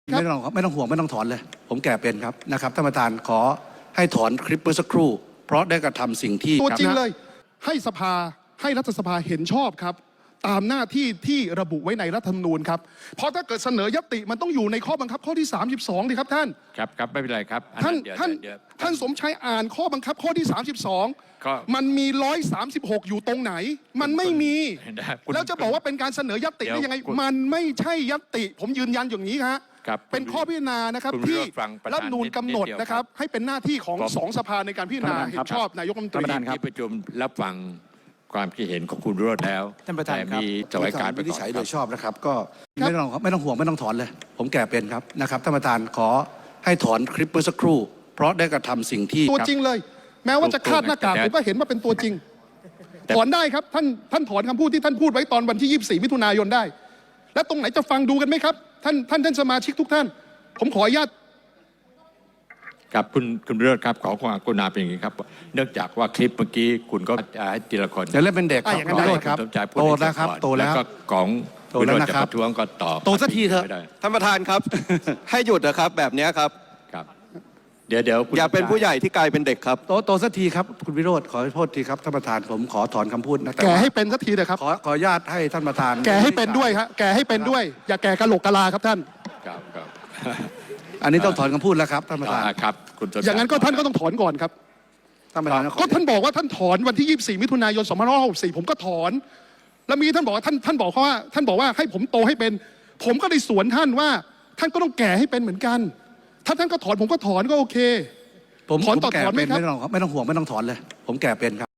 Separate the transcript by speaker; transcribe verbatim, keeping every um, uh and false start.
Speaker 1: ไม่ต้องไม่ต้องห่วงไม่ต้องถอนเลยผมแก่เป็นครับนะครับท่านประธานขอให้ถอนคลิปเมื่อสักครู่เพราะได้กระทำสิ่งที่
Speaker 2: ตัวจริงเลยให้สภาให้รัฐสภาเห็นชอบครับตามหน้าที่ที่ระบุไว้ในรัฐธรรมนูญครับเพราะถ้าเกิดเสนอยติมันต้องอยู่ในข้อบังคับข้อที่สามสิบสองดิครับท่าน
Speaker 3: ครับครับไม่เป็นไรครับ
Speaker 2: ท่านท่านท่านสมชัยอ่านข้อบังคับข้อที่สามสิบสองมันมีร้อยสามสิบหกอยู่ตรงไหนมันไม่มีแล้วจะบอกว่าเป็นการเสนอยติได้ยังไงมันไม่ใช่ยติผมยืนยันอย่างนี้ฮะเป็นข้อพิจารณานะครับที่รัฐธรรมนูญกำหนดนะครับให้เป็นหน้าที่ของสองสภาในการพิจารณาเห็นชอบนายกรัฐมนตรี
Speaker 3: ที่ประชุมรับฟังความคิดเห็นของคุณวิโรจน์แล้ว
Speaker 1: ท่านประธานครับ
Speaker 3: มีสวัสดิการ
Speaker 1: วินิจฉัยโดยชอบนะครับก็ไม่ต้องไม่ต้องห่วงไม่ต้องถอนเลยผมแก่เป็นครับนะครับท่านประธานขอให้ถอนคลิปเมื่อสักครู่เพราะได้กระทำสิ่งที่
Speaker 2: ตัวจริงเลยแม้ว่าจะคาดหน้ากากผมก็เห็นว่าเป็นตัวจริงถอนได้ครับท่านท่านถอนคำพูดที่ท่านพูดไว้ตอนวันที่ยี่สิบสี่มิถุนายนได้และตรงไหนจะฟังดูกันไหมครับท่านท่านท่านสมาชิกทุกท่านผมขออนุญาต
Speaker 3: ครับคุณคุณวิโรจน์ครับขอความกรุณาเป็นอย่างนี้ครับเนื่องจากว่าคลิปเมื่อกี้คุณก็ให้ทีละคน
Speaker 1: จะเล่นเป็นเด็กครับ
Speaker 2: อย่างนั้น
Speaker 1: ครับโตแล้วครับโตแล้ว
Speaker 3: ก็ของวิโรจน์จะประท้วงก็ตอบ
Speaker 1: โตสักทีเถอะ
Speaker 4: ท่านประธานครับให้หยุดนะครับแบบนี้ครับ
Speaker 3: ครับเดี๋ยวเดี๋ยว
Speaker 4: อย่าเป็นผู้ใหญ่ที่กลายเป็นเด็กครับ
Speaker 1: โตโตสักทีครับคุณวิโรจน์ขอโทษทีครับท่านประธานผมขอถอนคำพูดนะ
Speaker 2: แกให้เป็นสักทีเลยครับ
Speaker 1: ขอขออนุญาตให้ท่านประธาน
Speaker 2: แกให้เป็นด้วยครับแกให้เป็นด้วยอย่าแกกะโหลกกะลาครับท่าน
Speaker 3: ครับครับ
Speaker 1: อันนี้ต้องถอนคำพูดแล้วครับท่านประธาน
Speaker 3: ครับ
Speaker 2: อย่างนั้นก็ท่านก็ต้องถอนก่อนครับ
Speaker 1: ท่านประธาน
Speaker 2: ก็ท่านบอกว่าท่านถอนวันที่ยี่สิบสี่มิถุนายนสองพันห้าร้อยหกสิบสี่ผมก็ถอนแล้วมีท่านบอกว่าท่านท่านบอกว่าท่านบอกว่าให้ผมโตให้เป็นผมก็ได้สวนท่านว่าท่านก็ต้องแก่ให้เป็นเหมือนกันถ้าท่านก็ถอนผมก็ถอนก็โอเค
Speaker 1: ผมถอนต่อถอนไหมครับไม่ต้องไม่ต้องห่วงไม่ต้องถอนเลยผมแก่เป็นครับ